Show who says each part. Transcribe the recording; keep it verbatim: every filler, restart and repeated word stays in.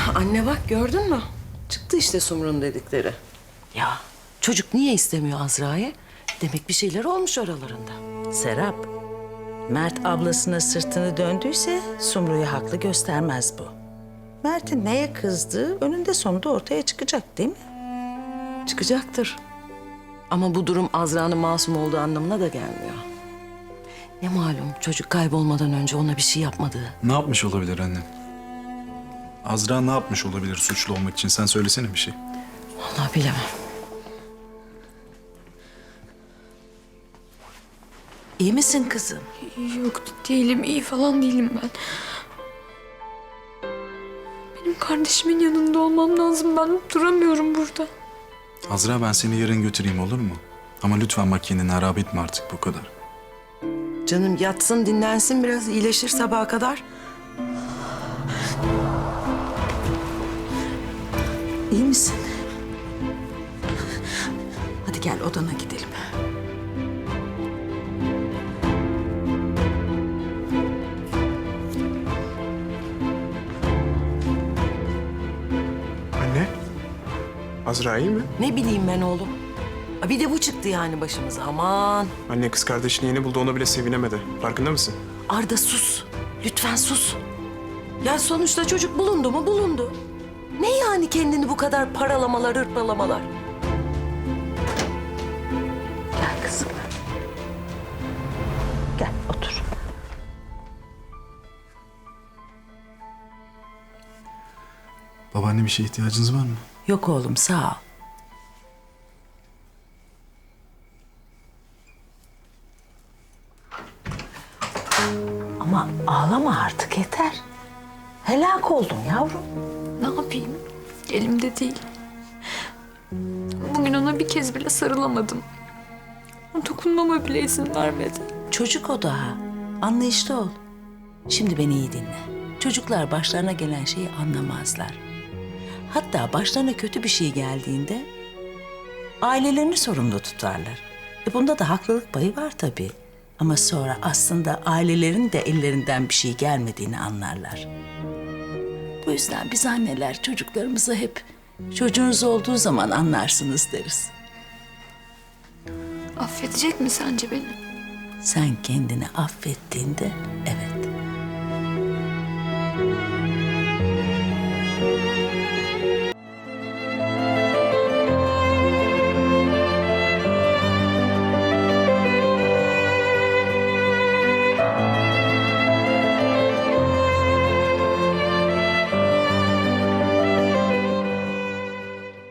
Speaker 1: Anne bak gördün mü? Çıktı işte Sumru'nun dedikleri. Ya çocuk niye istemiyor Azra'yı? Demek bir şeyler olmuş aralarında.
Speaker 2: Serap, Mert ablasına sırtını döndüyse Sumru'yu haklı göstermez bu. Mert'in neye kızdığı önünde sonunda ortaya çıkacak değil mi?
Speaker 1: Çıkacaktır. Ama bu durum Azra'nın masum olduğu anlamına da gelmiyor. Ne malum çocuk kaybolmadan önce ona bir şey yapmadığı.
Speaker 3: Ne yapmış olabilir anne? Azra ne yapmış olabilir suçlu olmak için? Sen söylesene bir şey.
Speaker 1: Vallahi bilemem.
Speaker 2: İyi misin kızım?
Speaker 4: Yok değilim, iyi falan değilim ben. Benim kardeşimin yanında olmam lazım. Ben duramıyorum burada.
Speaker 3: Azra ben seni yarın götüreyim olur mu? Ama lütfen bak kendini harap etme artık bu kadar.
Speaker 1: Canım yatsın dinlensin biraz iyileşir sabaha kadar.
Speaker 2: İyi misin? Hadi gel odana gidelim.
Speaker 5: Anne, Azra iyi mi?
Speaker 1: Ne bileyim ben oğlum. Ha, bir de bu çıktı yani başımıza aman.
Speaker 5: Anne kız kardeşini yeni buldu, ona bile sevinemedi. Farkında mısın?
Speaker 1: Arda sus. Lütfen sus. Ya sonuçta çocuk bulundu mu bulundu. Ne yani kendini bu kadar paralamalar, hırpalamalar?
Speaker 2: Gel kızım. Gel otur.
Speaker 3: Babaanne bir şeye ihtiyacınız var mı?
Speaker 2: Yok oğlum sağ ol. Ama ağlama artık yeter. Helak oldun yavrum.
Speaker 4: Ne yapayım? Elimde değil. Bugün ona bir kez bile sarılamadım. Dokunmama bile izin vermedi.
Speaker 2: Çocuk o daha. Anlayışlı ol. Şimdi beni iyi dinle. Çocuklar başlarına gelen şeyi anlamazlar. Hatta başlarına kötü bir şey geldiğinde ailelerini sorumlu tutarlar. E bunda da haklılık payı var tabii. Ama sonra aslında ailelerin de ellerinden bir şey gelmediğini anlarlar. Bu yüzden biz anneler çocuklarımıza hep çocuğunuz olduğu zaman anlarsınız deriz.
Speaker 4: Affedecek mi sence beni?
Speaker 2: Sen kendini affettiğinde evet.